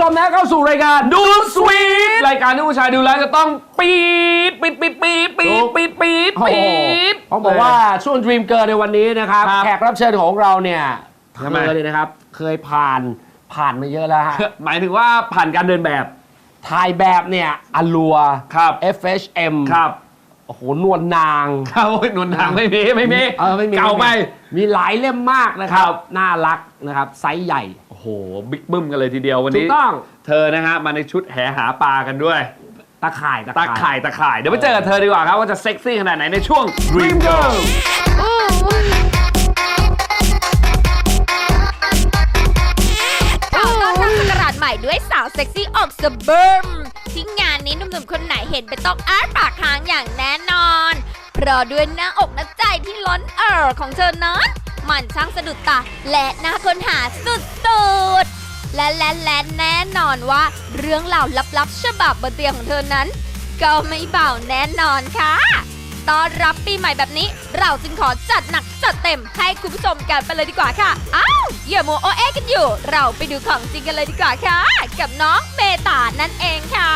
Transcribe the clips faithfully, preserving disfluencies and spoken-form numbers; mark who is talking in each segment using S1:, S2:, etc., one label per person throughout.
S1: มนะเข้าสู่รายการดูสวีทรายการที่ผู้ชายดูแล้วจะต้องปี๊ดปี๊ดปี๊ดปี๊ดปี๊ดปี๊ดปี๊ดปี๊ด
S2: เขาบอกว่าช่วง Dream Girl ในวันนี้นะครับ
S1: ครับ
S2: แขกรับเชิญของเราเนี่ยเธ
S1: ทำไม
S2: อเนี่ยนะครับเคยผ่านผ่านมาเยอะแล้วฮะ
S1: หมายถึงว่าผ่านการเดินแบบ
S2: ถ่ายแบบเนี่ยอลัว
S1: ครับ
S2: เอฟ เอช เอ็ม
S1: ครับ
S2: โอ้โหนวลนาง
S1: เขาหนุนทางไม่มีไม่มี
S2: เออไม่มี
S1: เก่าไป
S2: มีหลายเล่มมากนะครั
S1: ครับ บ
S2: น่ารักนะครับไซส์ใหญ่
S1: โอ้โหบิ๊กบึ้มกันเลยทีเดียววัน
S2: ถู
S1: นี้
S2: กต้อง
S1: เธอนะฮะมาในชุดแหหาปลากันด้วย
S2: ตะข่าย
S1: ตาข่ายตาข่ายเดี๋ยวไปเจอกับเธอดีกว่าครับว่าจะเซ็กซี่ขนาดไหนในช่วง Dream Girl
S3: ขอต้อนรับสกราชใหม่ด้วยสาวเซ็กซี่ออกสะเบิร์มที่งานนี้หนุ่มๆคนไหนเห็นเป็นต้องอ้าปากค้างอย่างแน่นอนเพราะด้วยหน้าอกหน้าใจที่ล้นเอ่อของเธอนั้นมันช่างสะดุดตาและน่าค้นหาสุดๆและและและแน่นอนว่าเรื่องราวลับๆฉบับบนเตียงของเธอนั้น ก็ไม่เบาแน่นอนค่ะต้อนรับปีใหม่แบบนี้เราจึงขอจัดหนักจัดเต็มให้คุณผู้ชมกันไปเลยดีกว่าค่ะอ้าวอย่ามัวโอเอกันอยู่ เราไปดูของจริงกันเลยดีกว่าค่ะกับน้องเมตานั่นเองค่ะ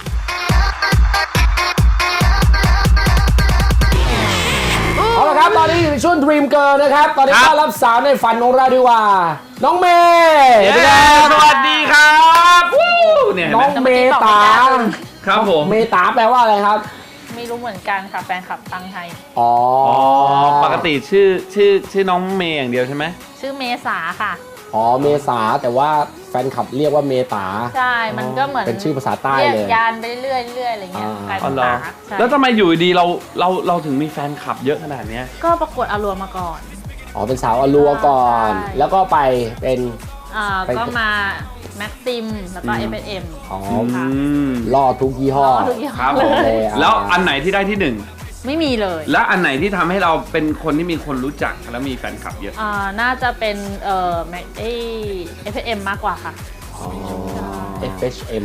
S2: เอาละครับตอนนี้อยู่ในช่วง Dream Girl นะครับ ตอนนี้
S1: ครับ
S2: ต้อนรับสาวในฝันของเราดีกว่า น้องเมย์
S1: เย้
S2: เป็นไง
S1: สวัสดีครับวู้เนี่ยเห็น
S2: น้
S1: ไหม
S2: องเมตา
S1: ครับผม
S2: เมตาแปลว่าอะไรครับ
S4: ไม่รู้เหมือนกันค่ะแฟนคลับตั้งให้
S2: อ๋อ
S1: อ๋อปกติชื่อชื่อชื่อน้องเมย์อย่างเดียวใช่ไหม
S4: ชื่อเมษาค่ะ
S2: อ๋อเมษาแต่ว่าแฟนคลับเรียกว่าเมตา
S4: ใช่มันก็เหมือน
S2: เป็นชื่อภาษาใต้
S4: เรียก
S2: เลย
S4: ยานไปเรื่อยๆเรื่อยๆอะไรเงี้ย
S2: อ่าก
S4: ลาย
S1: อ๋
S4: เป็
S1: อน เหรอ
S4: ตาใช่
S1: แล้วทำไมอยู่ดีเราเราเราถึงมีแฟนคลับเยอะขนาดเนี้ย
S4: ก็ประกวดอารัวมาก่อน
S2: อ๋อเป็นสาวอลัวก่อน
S4: ใช่
S2: แล้วก็ไปเป็น
S4: อ่า
S2: ไป
S4: ก็มาแม็กซิมแล้วก็
S1: อื
S4: เอ
S1: ม
S4: ฟเอ็ม
S2: อ๋อ
S4: ค่ะ
S1: ม
S2: ล่อทุกยี่ห้อ
S4: ทุกอย่าง
S1: ครับ
S4: เล
S1: ผม
S4: ย
S1: แล้วอันไหนที่ได้ที่หนึ่ง
S4: ไม่มีเลย
S1: และอันไหนที่ทำให้เราเป็นคนที่มีคนรู้จักแล้วมีแฟนคลับเยอะ
S4: อ่าน่าจะเป็นเอ่อแม็กเอฟเอ็มมากกว่าค่ะ
S2: อ๋อ เอฟ เอช เอ็ม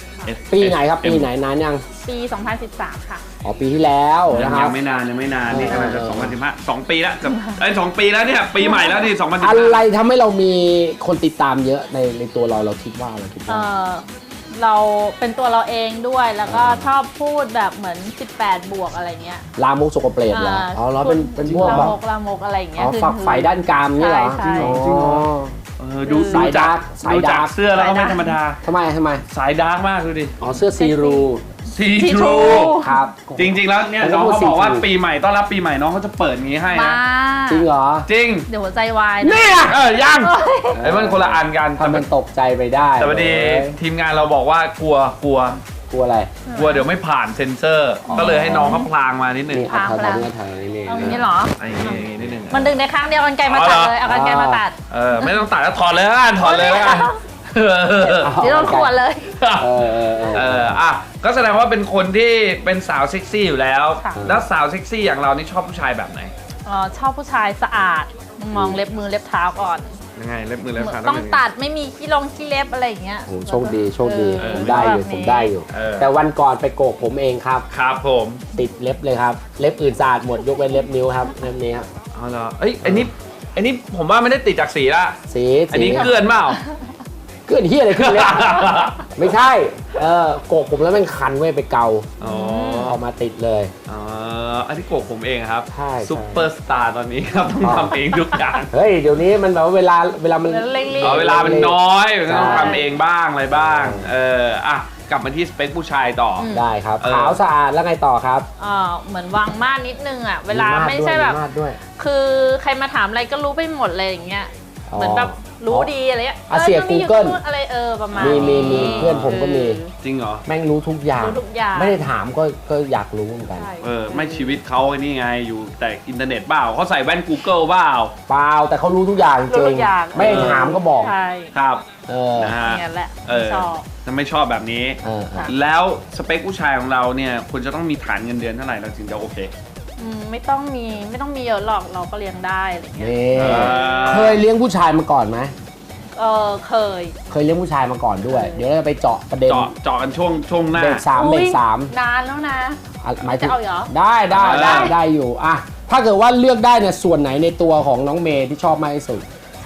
S1: F
S2: ปีไหนครับ ปีไหนนานยัง
S4: ปี สองพันสิบสาม ค่ะ
S2: อ๋อ ปีที่แล้ว
S1: ยั
S2: นะ
S1: ง
S2: ครั
S1: ยั
S2: บ
S1: งไม่นานยังไม่นานนี่
S2: เออก
S1: ำลังจะ
S2: เออ
S1: สองพันสิบห้าสองปีแล้วจะไอ้ยสองปีแล้วเนี่ยปีใหม่แล้วนี่สองพันสิบ
S2: อะ
S1: ห้า
S2: ไรทำให้เรามีคนติดตามเยอะในในตัวเราเราคิดว่าเราคิด
S4: เอ
S2: ว่า
S4: อเราเป็นตัวเราเองด้วยแล้วก็ชอบพูดแบบเหมือนสิบแปดบวกอะไรเงี้ย
S2: ลามกสกปรกเหรออ๋อเราเป็นเป็นพวก
S4: ลา
S2: แบบ
S4: มกลามกอะไรอย่างเงี้
S2: อ๋
S4: ย
S2: อ
S4: คือ
S2: ฝักใฝ่ด้านกามนี่เหรอ
S4: ใช่
S2: จริงเหรอ
S1: เออดู
S2: สาย
S1: ดูจาก
S2: ดาร์กสาย
S1: ดูจาก
S2: ดาร์ก
S1: เสื้อแล้วก็ไม่ธรรมดา
S2: ทำไมทำไม
S1: สายดาร์กมากดูดิ
S2: อ๋อเสื้อซีรู
S1: ซี
S4: See
S1: ทรู
S4: through
S2: ครับ
S1: จริง ๆ แล้วเนี่ย
S2: ผมก็
S1: น้อง
S2: พูด
S1: เขาบอกว่า
S2: see through
S1: ปีใหม่ต้อนรับปีใหม่น้องเขาจะเปิดอย่างงี้ให้
S4: มา
S1: นะ
S2: จริงเหรอ
S1: จริง
S4: เดี๋ยวหัวใจวาย
S2: เนี่ย
S1: เออยังไอ้มันคนละอันกันแต่
S2: ทำมันตกใจไปได้
S1: แต่พอดี
S2: เว้ย
S1: ทีมงานเราบอกว่ากลัวกลัว
S2: กลัวอะไร
S1: กลัวเดี๋ยวไม่ผ่านเซ็นเซอร์ ก็เลยให้น้องเขาพลางมานิดนึง
S2: นี่เอาทางทางนี้ทางนี้นี่
S4: เอาอย่างนี้เหรอ
S1: ไอ้นี่นิดนึง
S4: มันดึงในครั้งเดียวกันไกลมาตัดเลยเอากันไกลมาตัด
S1: เออไม่ต้องตัดแล้วถอดเลยละกันถอดเลยละกัน
S4: เดี๋ยวเราขวดเลย
S2: เออเออเออ
S1: เอออ่ะก็แสดงว่าเป็นคนที่เป็นสาวเซ็กซี่อยู่แล้ว
S4: ค่ะ
S1: แล้วสาวเซ็กซี่อย่างเรานี่ชอบผู้ชายแบบไหน
S4: อ๋อชอบผู้ชายสะอาด มองเล็บมือเล็บเท้าก่อน
S1: ยังไงเล็บมือเล็บขา
S4: ต้องตัดไม่มีขี้ลงขี้เล็บอะไรอย่างเงี้ย
S2: โอ้โหโชคดีโชคดี
S4: เออ
S2: ผมได้อยู่
S4: แบบนี้
S2: ผมได้อยู่
S1: เออ
S2: แต่วันก่อนไปโกกผมเองครับ
S1: ครับผม
S2: ติดเล็บเลยครับ เล็บอื่นสะอาดหมดยกเว้นเล็บนิ้วครับเล็บนี้ครับ
S1: เอาเหรอเอ้ยอันนี้อันนี้ผมว่าไม่ได้ติดจากสีละ
S2: สี
S1: อัน
S2: สี
S1: นี้เกลือนเปล่า
S2: เกินเฮียอะไรขึ้นเลย ไม่ใช่เออโกกผมแล้วมันคันเว้ยไปเกา
S1: อ๋อ
S2: เอามาติดเลย
S1: อ๋ออันที่โกกผมเองครับ
S2: ใช่
S1: ซุปเปอร์สตาร์ตอนนี้ครับต้องทำเองทุกอย่าง
S2: เฮ้ยเดี๋ยวนี้มันแบบว่าเวลาเวลามัน
S4: เร่งรีบ
S1: อ๋อเวลามันน้อยมันต้อง
S2: ใช่
S1: ทำเองบ้างอะไรบ้าง เอออ่ะกลับมาที่สเปคผู้ชายต่ออ
S2: ได้ครับ
S1: เออ
S2: ขาวสะอาดแล้วไงต่อครับ
S4: อ่าเหมือนวางม่านนิดนึงอ่ะเวลา
S2: ด
S4: ไม่ใช่
S2: ด้วย
S4: แบบ
S2: มีมาดด้วย
S4: คือใครมาถามอะไรก็รู้ไปหมดเลยอย่างเงี้ย
S2: อ๋อ
S4: เหมือนแบบรู้ดีอะไรเงี้ย
S2: อ่ะเสีย
S4: ตรงนี้อ
S2: Google
S4: ตรงนู้นอะไรเออประมาณ
S2: มีมีมี
S4: นี้
S2: เพื่อนผมก็มี
S1: จริงเหรอ
S2: แม่งรู้ทุกอย่าง
S4: รู้ทุกอย่าง
S2: ไม่ได้ถามก็ก็อยากรู้เหมือนกัน
S4: ใช่
S1: เออไม่ชีวิตเขาไอ้นี่ไงอยู่แต่อินเทอร์เน็ตเปล่าเขาใส่แว่น Google เปล่า
S2: เปล่าแต่เขารู้ทุกอย่างจ
S4: รู้
S2: ริ
S4: ทุ
S2: ง
S4: กอย่าง
S2: ไม่ได้ถามก็บอก
S4: ใช่
S1: ครับ
S2: เออ
S1: นะฮะ
S4: อย่างนั้นแหละ
S1: เออ
S4: ชอบ
S1: จะไม่ชอบแบบนี้
S2: เออเออ
S1: แล้วสเปคผู้ชายของเราเนี่ยควรจะต้องมีฐานเงินเดือนเท่าไหร่เราถึงจะโอเค
S4: อืมไม่ต้องมีไม่ต้องมีเยอะหรอกเราก็เลี้ยงได้อะไรเงี้ย
S2: นี่
S1: เออ
S2: เคยเลี้ยงผู้ชายมาก่อนไหม
S4: เออเคย
S2: เคยเลี้ยงผู้ชายมาก่อนด้วย
S4: เคย
S2: เดี๋ยวเราจะไปเจาะประเด็น
S1: เจาะเจาะกันช่วงช่วงหน้า
S2: เบรกสามเบร
S4: อุ๊ย
S2: กสาม
S4: นานแล้วนะ
S2: อ่ะหมายถึง
S4: จะเอาเหรอ
S2: ได้ได้
S1: เออ
S2: ได้ได้อยู่อ่ะถ้าเกิดว่าเลือกได้เนี่ยส่วนไหนในตัวของน้องเมย์ที่ชอบมากที่สุด
S4: ช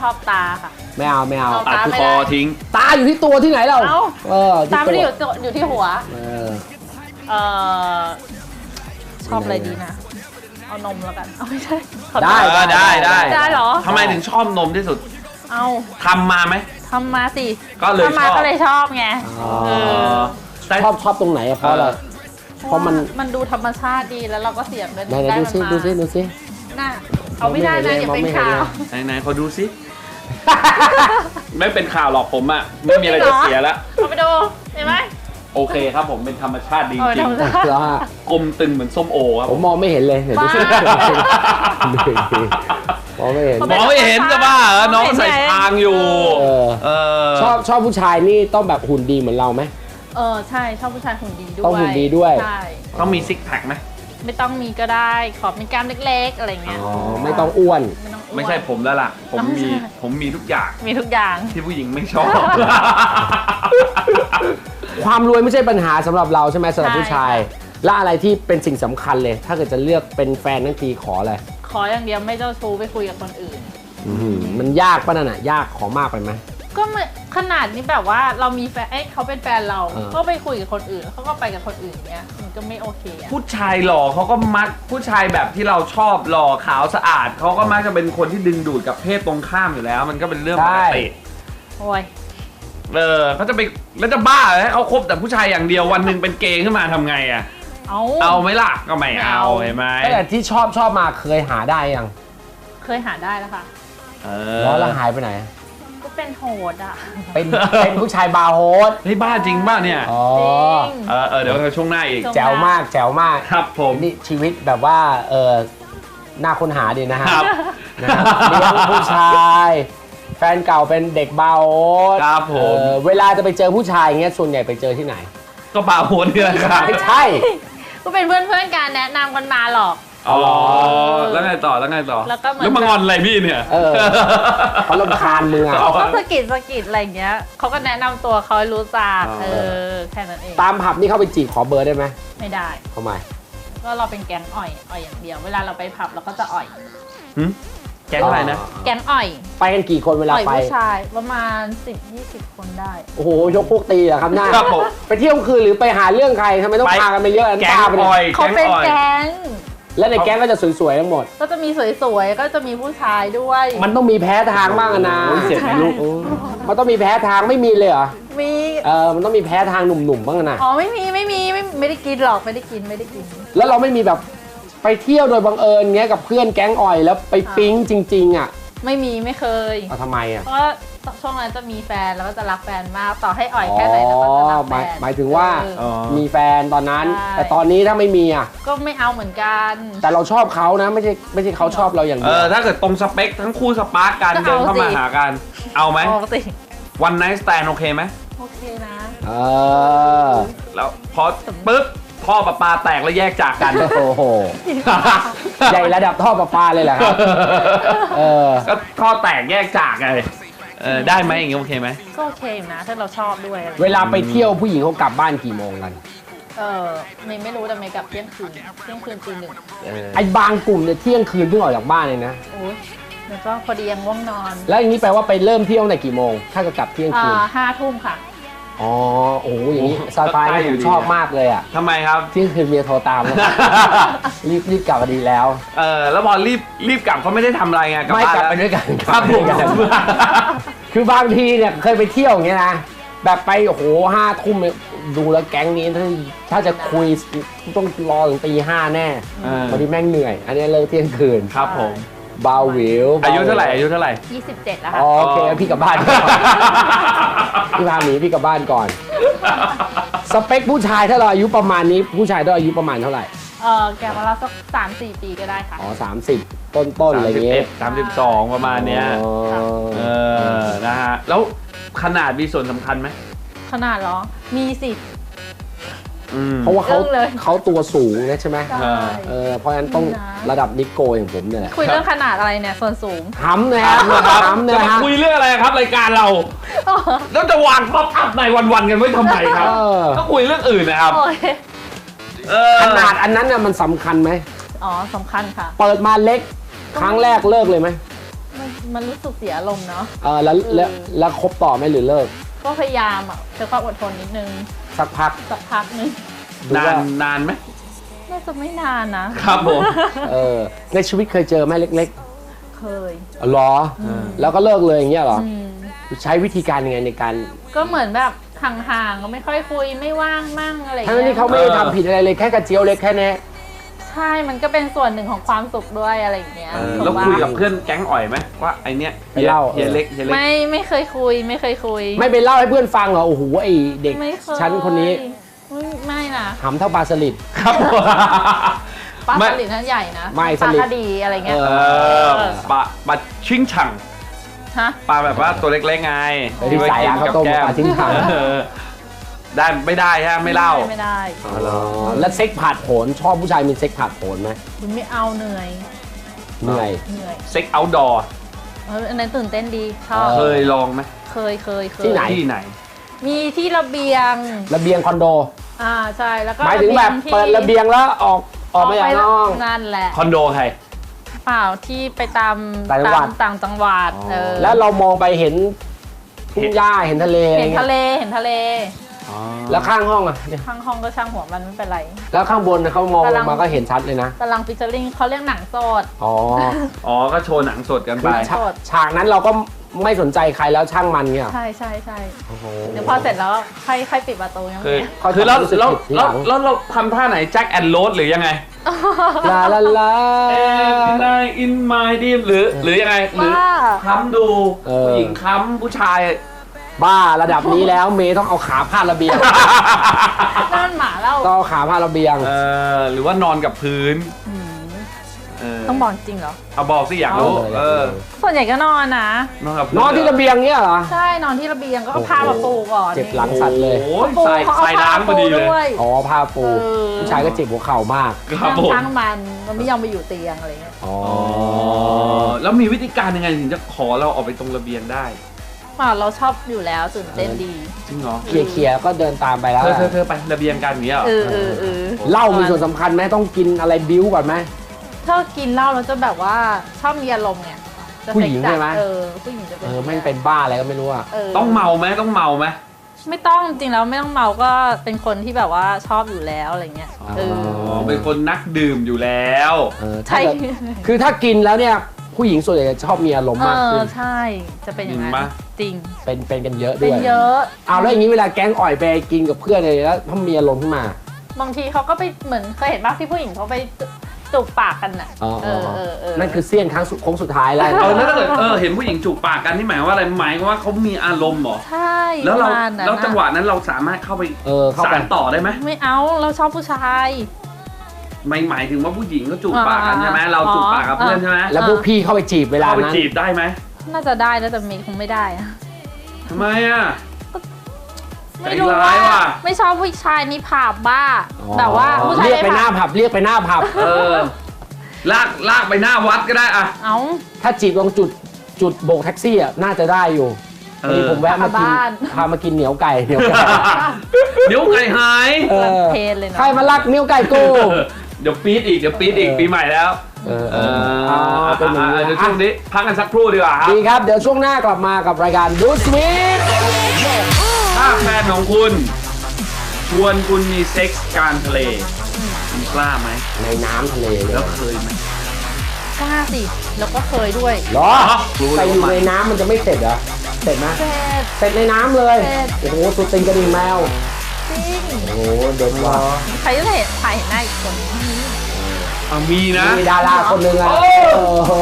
S4: ชอบตาค่ะ
S2: ไม่เอาไม่เอา
S4: เอา
S1: ตัด
S4: ตาไม่
S1: ค
S4: ได้
S1: อทิ้ง
S2: ตาอยู่ที่ตัวที่ไหนเรา
S4: เอ้า
S2: เออ
S4: ตาไม่ได้อยู่
S2: ตัว
S4: อยู่ที่หัว
S2: เออ
S4: เอ่อชอบอะไรดีนะ เอานมแล้วกัน เอาไม่ใช่ขอโทษ
S2: ได้
S1: เออได้ได้
S4: ได้เหรอ
S1: ทำไมถึงชอบนมที่สุด
S4: เอา
S1: ทำมาไหม
S4: ทำมาสิ
S1: ก็เลย
S4: ทำมา
S1: ชอบ
S4: ก็เลยชอบไง
S2: อ๋อ
S4: เออ
S1: แต่
S2: ชอบชอบตรงไหนอะเพราะอะไร เพราะมัน
S4: มันดูธรรมชาติดีแล้วเราก็เสียเงิน
S2: ไหนไหน
S4: ได้
S2: ดู
S4: มัน
S2: ซิ
S4: มา
S2: ดูซิดูซิ
S4: น่าเอาไม่ได้นะอย่าเป็นข่าว
S1: ไหนๆขอดูสิ ไม่เป็นข่าวหรอกผมอ่ะ ไม่มีอะไรจะเสียแล้ว
S4: เอาไปดูเห็นไหม
S1: โโอเคครับผมเป็นธรรมชาติดี
S4: เออ
S1: จริ
S4: ธรง รมชาติ
S2: แล้วฮะ
S1: กลมตึงเหมือนส้มโอครับ
S2: ผมมองไม่เห็นเลยเดี๋ยวดูสิ
S4: บ้า
S2: มองไม่เห็น
S1: มองไม่เห็นจะบ้าเหรอน้องใส่ทางอยู่
S2: เออ
S1: เออ
S2: ชอบชอบผู้ชายนี่ต้องแบบหุ่นดีเหมือนเราไหม
S4: เออใช่ชอบผู้ชายหุ่นดีด้วย
S2: ต้องหุ่นดีด้วย
S4: ใช่
S1: ต้องมีซิกแพคไหม
S4: ไม่ต้องมีก็ได้ขอมีกล้ามเล็กๆอะไรเงี้ย
S2: อ๋อไม่ต้องอ้วน
S4: ไม่ต้องอ้วน
S1: ไม่ใช่ผมแล้วล่ะ ผม
S4: ต้อง
S1: มี
S4: ใช่
S1: ผมมีทุกอย่าง
S4: มีทุกอย่าง
S1: ที่ผู้หญิงไม่ชอบ
S2: ความรวยไม่ใช่ปัญหาสำหรับเราใช่ไหมสำหรับ
S4: ใช่
S2: ผู้ชาย และอะไรที่เป็นสิ่งสำคัญเลย ถ้าเกิดจะเลือกเป็นแฟนทั้งทีขออะไร
S4: ขออย่างเดียวไม่เจ้าชู้ไปคุยกับคนอื่น
S2: อื้อหือมันยากป่ะนั่นน่ะยากขอมากไปไหม
S4: ก็ไม่ขนาดนี้แบบว่าเรามีแฟนเอ้ยเขาเป็นแฟนเรา
S2: เออ
S4: ก็ไปคุยกับคนอื่นเขาก็ไปกับคนอื่นเนี้ยมันก็ไม่โอเคอะ
S1: ผู้ชายหล่อเขาก็มักผู้ชายแบบที่เราชอบหล่อขาวสะอาดเขาก็มักจะเป็นคนที่ดึงดูดกับเพศตรงข้ามอยู่แล้ว มันก็เป็นเรื่องปกติ
S4: โอ้ย
S1: เออเขาจะไปแล้วจะบ้าเลยเขาคบแต่ผู้ชายอย่างเดียววันหนึ่งเป็นเกย์ขึ้นมาทำไงอ่ะ
S4: เอา
S1: เอาไหมล่ะก็ไม่
S4: ไม่
S1: เอา
S4: เอา
S1: เห็นไหม
S2: แต่ที่ชอบชอบมาเคยหาได้ยัง
S4: เคยหาได้แล้วค่ะ
S1: เอ
S2: แล้ว
S1: อ
S2: แล้วหายไปไหน
S4: ก็เป็นโหดอ่ะ
S2: เป็นเป็นผู้ชายบาร์โฮส
S1: เฮ้ยบ้าจริงบ้าเนี่ย
S2: อ๋อ
S4: จริง
S1: เออเออเดี๋ยวช่วงหน้าอีก
S2: แจ๋วมากแจ๋วมาก
S1: ครับผม
S2: นี่ชีวิตแบบว่าเออน่าค้นหาดีนะฮะ
S1: ครับ
S2: นะครับเลี้ยงผู้ชาย แฟนเก่าเป็นเด็กบาร์โฮส
S1: ครับผม
S2: เออเวลาจะไปเจอผู้ชายอย่างเงี้ยส่วนใหญ่ไปเจอที่ไหน
S1: ก็บาโฮนนี่แหละครับ
S2: ไม่ใช่
S4: ก็เป็นเพื่อนเพื่อนๆกันแนะนำกันมาหรอก
S1: อ๋อแล้วไงต่อแล้วไงต่อ
S4: แล้วก็เหมือน
S1: แล้วมางอนอะไรพี่เนี่ย
S2: เออ เขารำคาญมึงอ่ะ
S1: เอา
S4: ก็สะกิดสะกิดอะไรเงี้ยเขาก็แนะนำตัวเขาให้รู้จัก
S1: อ๋อ
S4: เออแค่นั้นเอง
S2: ตามผับนี่เข้าไปจีบขอเบอร์ได้ไหม
S4: ไม่ได้
S2: ทำไม
S4: ก็เราเป็นแก๊งอ่อยอ่อยอย่างเดียว เวลาเราไปผับเราก็จะอ่อย
S1: หึแก๊งอะไรนะ
S4: แก๊งอ่อย
S2: ไปกันกี่คนเวลา
S4: อ่อย
S2: ไป
S4: ผู้ชายประมาณ สิบยี่สิบ คนได้
S2: โอ้โห ยกพวกตีเหรอครับหน้า
S1: ครับผม
S2: ไปเที่ยวคืนหรือไปหาเรื่องใครทำไมต้อง
S1: ไป
S2: พากันไปเยอะอัน
S1: แก๊ง
S2: บ้าไป
S1: อ
S2: เนี่
S1: อย ย
S4: เขา
S1: แก๊ง
S4: เป็น
S1: ออย
S4: แก๊ง
S2: และในแก๊งก็จะสวยๆทั้งหมด
S4: ก็จะมีสวยๆ ก็จะมีผู้ชายด้วย
S2: มันต้องมีแพ้ทางบ้างอะนะ
S1: โอ้ยเจ็บไหมลูก
S2: โอ้มันต้องมีแพ้ทางไม่มีเลยเหรอ
S4: มี
S2: เออ มันต้องมีแพ้ทางหนุ่มๆบ้างอะนะ
S4: อ๋อไม่มีไม่มีไม่ไม่ได้กินหรอกไม่ได้กินไม่ได้กิน
S2: แล้วเราไม่มีแบบไปเที่ยวโดยบังเอิญเงี้ยกับเพื่อนแก๊งอ่อยแล้วไปปิ๊งจริงๆอ่ะ
S4: ไม่มีไม่เคย
S2: เอาทำไมอ่ะ
S4: เพราะว่าช่วงนั้นจะมีแฟนแล้วก็จะรักแฟนมากต่อให้อ่อยแค่ไหนแล้วก็จะรัก
S2: ห
S4: แฟ
S2: มาย
S4: น
S2: หมายถึงว่า
S4: เออ
S1: อ๋อ
S2: มีแฟนตอนนั้น
S4: ใช่
S2: แต่ตอนนี้ถ้าไม่มีอ่ะ
S4: ก็ไม่เอาเหมือนกัน
S2: แต่เราชอบเขานะไม่ใช่ไม่ใช่เขาชอบเราอย่าง
S1: เอ
S2: เดียว
S1: อถ้าเกิดตรงสเปคทั้งคู่สปาร์กกัน
S4: ก็
S1: เดิน
S4: เอา
S1: เข้ามา
S4: สิ
S1: หากัน เอาไหม
S4: ปกติ
S1: วันไนท์สแตนโอเคไหม
S4: โอเคนะ
S2: เออ
S1: แล้วพอปุ๊บท่อประปาแตกแล้วแยกจากกัน
S2: โอ้โหใหญ่ระดับท่อประปาเลยแหละครับเออ
S1: ก็ท่อแตกแยกจากไงเออได้ไหมอย่างงี้โอเคไหม
S4: ก็โอเคอยู่นะถ้าเราชอบด้วยอะไร
S2: เวลาไปเที่ยวผู้หญิงเขากลับบ้านกี่โมงกัน
S4: เออไม่ไม่รู้แต่ไม่กลับเที่ยงคืนเที่ยงคืนตีหนึ่ง
S2: ไอ้บางกลุ่มเนี่ยเที่ยงคืนเพิ่งออกจากบ้านเลยนะ
S4: โอ้ยแล้วก็พอดียังง่วงนอน
S2: แล้วอย่างนี้แปลว่าไปเริ่มเที่ยวในกี่โมง ถ้าจะกลับเที่ยง
S4: อ่า
S2: คืน
S4: ห้าทุ่มค่ะ
S2: อ๋อ โอ้โห อย่างนี้สไตล์
S1: ใกล้
S2: นี่
S1: อยู่
S2: ผม
S1: ดี
S2: ชอบมากเลยอ่ะ
S1: ทำไมครับ
S2: เที่ยงคืนเมียโทรตามแล้ว รีบรีบกลับมาดีแล้ว
S1: เออแล้วพอรีบรีบกลับเขาไม่ได้ทำอะไรไงกลับ
S2: ไม่
S1: บ้าน
S2: กลับ
S1: แล้ว
S2: ไปด้วยกัน
S1: ครับผม
S2: กลับไปด้วยกันคือบางทีเนี่ยเคยไปเที่ยวอย่างเงี้ยนะ แบบไปโอ้โหห้าทุ่มเนี่ยดูแล้วแก๊งนี้ถ้าถ้าจะคุยต้องรอถึงตีห้าแน่
S1: เออ
S2: พอดีแม่งเหนื่อย อันนี้เลิกเที่ยงคืน
S1: ครับผม
S2: เบาหวิว
S1: อายุเท่าไหร่อายุเท่าไหร่
S4: ยี่สิบเจ็ดแล้ว
S2: อ๋
S4: ค่ะ
S2: อโอเคพี่กลับบ้านก่อนพี่พาหนีพี่กลับบ้านก่อน สเปคผู้ชายถ้าเราอายุประมาณนี้ผู้ชายต้องอายุประมาณเท่าไหร่
S4: เออแกมาแล้วสักสามสี่ปีก็ได้ค่ะ
S2: อ๋อสามสิบต้นต้นๆอะไรอย่างเงี้ย
S1: สามสิบสองประมาณเนี้ย
S2: อ๋อ
S1: เออนะฮะแล้วขนาดมีส่วนสำคัญไหม
S4: ขนาดเหรอ มีสิ
S1: อืม
S2: เพราะว่าเขา
S4: เรื่องเลย
S2: เขาตัวสูงนะใช่ไหม
S4: ได้
S2: เออเพราะฉะนั้นต้อง
S4: นะ
S2: ระดับนิโกอย่างผมเนี่ยแหละ
S4: คุยเรื่องขนาดอะไรเนี่ยส่วนสูง
S2: ทำนะฮะทำ
S1: จะ
S2: นะ
S1: มา
S2: ฮะ
S1: คุยเรื่องอะไรครับรายการเรา แล้วจะวางป๊อปอัพในวันๆกันไว้ทำไมครับ
S2: เออ
S1: ก็คุยเรื่องอื่นนะครับ
S4: โอ้ย
S1: เออ
S2: ขนาดอันนั้นน่ะมันสำคัญไหม
S4: อ๋อสำคัญค่ะ
S2: เปิดมาเล็กครั้งแรกเลิกเลยไหม
S4: มันมันรู้สึกเสียอารมณ์เนาะ
S2: เออแล้วแล้วแล้วคบต่อไหมหรือเลิก
S4: ก็พยายามอ่ะใช้ความอดทนนิดนึง
S2: สักพัก
S4: สักพักนึง
S2: ดู
S1: นาน
S2: ว่า
S1: นานไหม
S4: น่าจะไม่นานนะครับ
S1: ผม
S2: เออในชีวิตเคยเจอไหมเล็ก
S4: เคย
S2: ๆอ๋อเหรออแล้วก็เลิกเลยอย่างเงี้ยเหรอ
S4: อืม
S2: ใช้วิธีการยังไงในการ
S4: ก็เหมือนแบบห่างๆก็ไม่ค่อยคุยไม่ว่างมั่งอะไรอย่าง
S2: ทั้ง
S4: เงี้ย
S2: ที่เขาไม่ได้ทำผิดอะไรเลยแค่กระเจียวเล็กแค่นี้
S4: ใช่มันก็เป็นส่วนหนึ่งของความสุขด้วยอะไรอย่างเงี้ย
S1: เออ
S4: ผม
S1: แล้ว
S4: ว่า
S1: คุยกับเพื่อนแก๊งอ่อยไหมว่าไอเนี้ย
S2: ไปเล่า
S1: เฮียเล็กเฮียเล็ก
S4: ไม่ไม่เคยคุยไม่เคยคุย
S2: ไม่ไปเล่าให้เพื่อนฟังเหรอโอ้โหไอเด็ก
S4: ไม่เคย
S2: ชั้นคนนี้
S4: ไม่ไม่นะ
S2: หำเท่าปลาสลิด
S1: ครับ
S4: ปลา
S1: ไม่
S4: สลิดนั้นใหญ่นะ
S2: ไม่
S4: ปลา
S2: สลิด
S4: คดีอะไรเงี้ย
S2: เอ
S1: เออปลาปลาชิงฉัง
S4: ฮะ
S1: ปลาแบบว่าตัวเล็กๆไง
S2: ไปที่สายร้านข้าวต้มปลาทิ้งถัง
S1: เออได้ไม่ได้ฮะไม่เล่า
S4: ไม่ได้
S2: อ๋อแล้วเซ็กผาดโผนชอบผู้ชายมีเซ็กผาดโผนไหม
S4: คุณไม่เอาเหนื่อย
S2: เหนื่อย
S4: เหนื่อย
S1: เซ็กเอาท์ดอร์
S4: เอออันนั้นตื่นเต้นดีชอบ
S1: เคยลองไหม
S4: เคยเคยเคย
S2: ที่ไหน
S1: ที่ไหน
S4: มีที่ระเบียง
S2: ระเบียงคอนโด
S4: อ่าใช่แล้วก็
S2: หมายถึงแบบ
S4: ที่
S2: เปิดระเบียงแล้วออกออกมาจากนอก
S4: นั่นแหละ
S1: คอนโดใคร
S4: เปล่าที่ไปตาม
S2: ต่างจังหวัด
S4: ตามต่างจังหวัดเออ
S2: แล้วเรามองไปเห็นทุ่งหญ้าเห็นทะเล
S4: เห็นทะเลเห็นทะเล
S2: แล้วข้างห้องอ่ะเนี่ย
S4: ข้างห้องก็ช่างหัวมันไม่เป็นไร
S2: แล้วข้างบนน่ะเขามองล
S4: กำลั
S2: ง
S4: ง
S2: มาก็เห็นชัดเลยนะ
S4: กำลังฟิชเชอร์ลิงเขาเรียกหนังโสด
S2: อ๋อ
S1: อ๋อก็โชว์หนังสดกันไป
S2: ฉากฉากนั้นเราก็ไม่สนใจใครแล้วช่างมันเนี่ย
S4: ใช่ใช่ใช่
S2: โอ้โห
S4: เดี๋ยวพอเสร็จแล้วค่อยค่อยปิดประตูยัง
S1: คือ
S4: ไง
S2: เขา
S1: คือแล้ว
S2: รู้สึก
S1: แล้ว
S2: ผิดทีห
S1: แล้
S2: ลั
S1: ว
S2: ง
S1: แล้วเราทำท่าไหนแจ็คแอนด์โรสหรือยังไง
S2: ลาลาลา
S1: Every night in my dream หรือหรือยังไงหรือ
S4: ว่า
S1: ค้ำดู
S2: เออ
S1: ผู้หญิงค้ำผู้ชาย
S2: บ้าระดับนี้แล้วเมย์ต้องเอาขาพาดระเบียง
S4: นั่นหมาเล่า
S2: ต้องเอาขาพาดระเบียง
S1: เออหรือว่านอนกับพื้น
S4: ม
S1: เออ
S4: ต้องบอกจริงเหรอ
S1: เอาบอกสิอยากรู้
S2: เอาเลย
S1: เออ
S4: ส่วนใหญ่ก็นอนนะ
S1: นอนกับพื้
S2: นอนที่ระเบียงเนี่ยเหรอ
S4: ใช่นอนที่ระเบียงก็เอาผ้ามาปูก่อน
S2: เจ็บหลังสั่นเลย
S1: โอ้ย
S4: ปู
S1: ใส่
S4: เขาเอา
S1: ใส่
S4: ผ้า
S1: ล้างพอดีเลย
S4: ด้วย
S2: อ๋อผ้าปู
S4: เออ
S2: ผู้ชายก็เจ็บหัวเข่ามาก
S1: ครับผม
S4: ช่างมันมันไม่ยอมไปอยู่เตียงอะไรเงี้ย
S2: อ๋อ
S1: อ๋อแล้วมีวิธีการยังไงถึงจะขอเราออกไปตรงระเบียงได้
S4: ป่าเราชอบอยู่แล้วตื่นเต้นดี
S1: จริงเหรอ
S2: เคลียร์เคลียร์ก็เดินตามไปแล้ว
S1: เธอเธอเธอไประเบียงกันอย่างเงี้ยเหรอ
S4: เออเออเออ
S2: เหล้ามีส่วนสำคัญไหมต้องกินอะไรบิ้วก่อนไหม
S4: ถ้ากินเหล้าเราจะแบบว่าชอบมีอารมณ์ไงจะ
S2: ผู้หญิงใช่ไหม
S4: เออผู้หญิงจะเป็น
S2: เออแม่งเป็นบ้าอะไรก็ไม่รู้อะ
S4: เออ
S1: ต้องเมาไหมต้องเมาไหม
S4: ไม่ต้องจริงแล้วไม่ต้องเมาก็เป็นคนที่แบบว่าชอบอยู่แล้วอะไรเงี้ยเออ
S1: อ๋อเป็นคนนักดื่มอยู่แล้ว
S2: เออ
S4: ใช่
S2: ถ้าเกิดคือถ้ากินแล้วเนี่ยผู้หญิงส่วนใหญ่จะชอบมีอารมณ์
S4: เอ
S2: มากขึ้
S4: อน ใช่จะเป็นอย่างนั้น
S1: จริงปะ
S4: จริง
S2: เป็นเป็นกันเยอะด้
S4: เป็
S2: วน ย
S4: เยอะ
S2: เอาแล้วอย่างนี้เวลาแก๊งอ่อยไปกินกับเพื่อนเลยแล้วถ้ามีอารมณ์ขึ้นมา
S4: บางทีเขาก็ไปเหมือนเคยเห็นบ้างที่ผู้หญิงเขาไปจูบปากกันน่ะ
S2: อ๋อ
S4: เออเออเออ
S2: นั่นคือเสี้ยนครั้งสุดโค้งสุดท้ายแล้ว
S1: เออแล้วถ้าเกิดเออเห็นผู้หญิงจูบปากกันนี่หมายว่าอะไรหมายว่าเขามีอารมณ์เหรอ
S4: ใช่
S1: แล้วเรา
S4: ประมาณนั้น
S1: แล้วจังหวะ
S4: น่ะ
S1: นั้นเราสามารถเข้าไป
S2: เออเข้า
S1: สา
S2: ไป
S1: รต่อได้ไหม
S4: ไม่เอาเราชอบผู้ชาย
S1: ไม่หมายถึงว่าผู้หญิงก็จูบปากกัน
S4: อ่า
S1: ใช่ไหมเราจูบปากกับ
S4: อ๋อ
S1: เพื่อนใช่ไหม
S2: แล้วพวกพี่เข้าไปจีบเวลา
S1: เข้าไป
S2: นั้น
S1: จีบได้ไหม
S4: น่าจะได้นะแต่เมย์คงไม่ได้อะ
S1: ทำไมอ่ะ
S4: ไม่รู้
S1: ใจร้า
S4: ว่าย
S1: ว่ะ
S4: ไม่ชอบผู้ชายนี่ผับบ้า
S2: อ๋อ
S4: แบบว่าผู้ชาย
S2: เรียกไปหน้า
S4: ผับ
S2: ผับเรียกไปหน้าผับ
S1: เออลากลากไปหน้าวัดก็ได้อะ
S4: เอ้า
S2: ถ้าจีบตรงจุดจุดโบกแท็กซี่อ่ะน่าจะได้อยู่
S1: เอ
S2: วันนี้
S1: อ
S2: ผมแวะมากิน
S4: บ้าน
S2: พามากินเหนียวไก่เหนียวไก่
S1: เดี๋ยวไก่หาย
S2: เออ
S4: เพลนเลยเนาะ
S2: ใครมาลักเหนียวไก่กู
S1: เดี๋ยวปี๊ดอีกเดี๋ยวปี๊ดอีก
S2: เออ
S1: ปีใหม่แล้ว
S2: เออ
S1: เอ
S2: เอ
S1: อ
S2: อเอาเอาเป็นอย่างนี้
S1: เดี๋ยว
S2: นะ
S1: ช่วงนี้พักกันสักครู่ดีกว่าครับ
S2: ดีครับ เดี๋ยวช่วงหน้ากลับมากับรายการดูสวีท
S1: ถ้าแฟนของคุณ ชวนคุณมีเซ็กส์กลางทะเลคุณกล้าไหม
S2: ในน้ำทะเลเลย
S1: แล้วเคยไหม
S4: กล้าสิ แล้วก็เคยด้วย
S2: เหรอ
S1: รู้
S2: แต่
S1: แล้ว
S2: อยู่
S1: ว่า
S2: ในน้ำมันจะไม่เสร็จเหรอเสร็จไหม
S4: เสร็จ
S2: เสร็จในน้ำเลย
S4: เสร็จ
S2: โอ้โหสุดติงกระดิ่งแมว
S4: จริง
S2: โอ้โหเด็ดว่ะ
S4: ใครจะเห็นถ่ายเห็นหน้าอีกคน
S1: อ่ะมีนะ
S2: มีดาราคนหนึ่งอ่ะ
S1: โอ้
S2: โอ้โห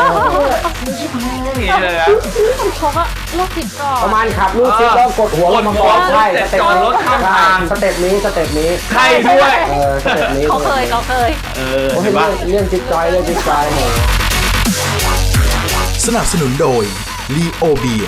S1: นี่เลยอะ
S4: เขาก็โรคจิตก่อน
S2: ประมาณขับลูกซิปแล้วกดหัวลงมาก่อน
S1: กดหัว
S2: ใช่
S1: เสร็จ
S2: สเต็ป
S1: จอดรถข้างทาง
S2: สเต็ปนี้สเต็ปนี้
S1: ใครด้วย
S2: เออสเต็ปนี้
S4: เขาเคยเขาเคย
S1: เออ
S2: โอ้ย
S1: เห็น
S2: เรื่
S1: ปะ
S2: องเรื่องจิ๊กจอยเรื่องจิ๊กจอยโห
S5: สนับสนุนโดยลีโอเบีย